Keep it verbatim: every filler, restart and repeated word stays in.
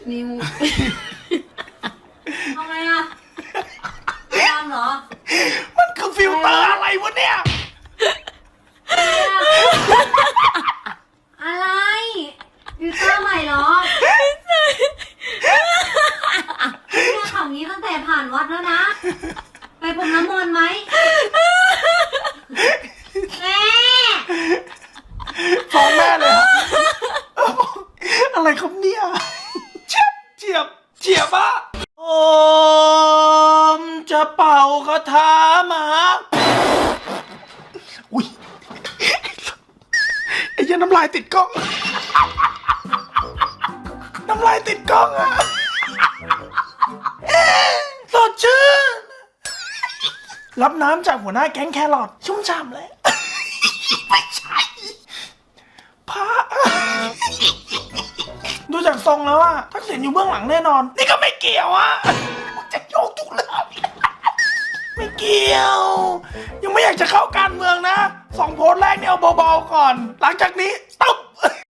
นิวทำไมอ่ะตามเหรอมันคือฟิลเตอร์อะไรวะเนี่ยอะไรฟิลเตอร์ใหม่เหรอเนี่ยข่าวนี้ตั้งแต่ผ่านวัดแล้วนะไปพรมน้ำมนต์ไหมแม่ฟ้องแม่เลยอะไรครับเนี่ยเฉียบเฉียบเฉียบอะโอมจะเป่าคาถามาอุ้ยไอ้ยันน้ำลายติดกล้องน้ำลายติดกล้องอะสดชื่นรับน้ำจากหัวหน้าแก๊งแครอทชุ่มฉ่ำเลยไม่ใช่พระดูจากทรงแล้วอะทักษิณอยู่เบื้องหลังแน่นอนนี่ก็ไม่เกี่ยวอะจะโยกทุกเรื่องไม่เกี่ยวยังไม่อยากจะเข้าการเมืองนะสองโพสต์แรกเนี่ยเอาเบาๆก่อนหลังจากนี้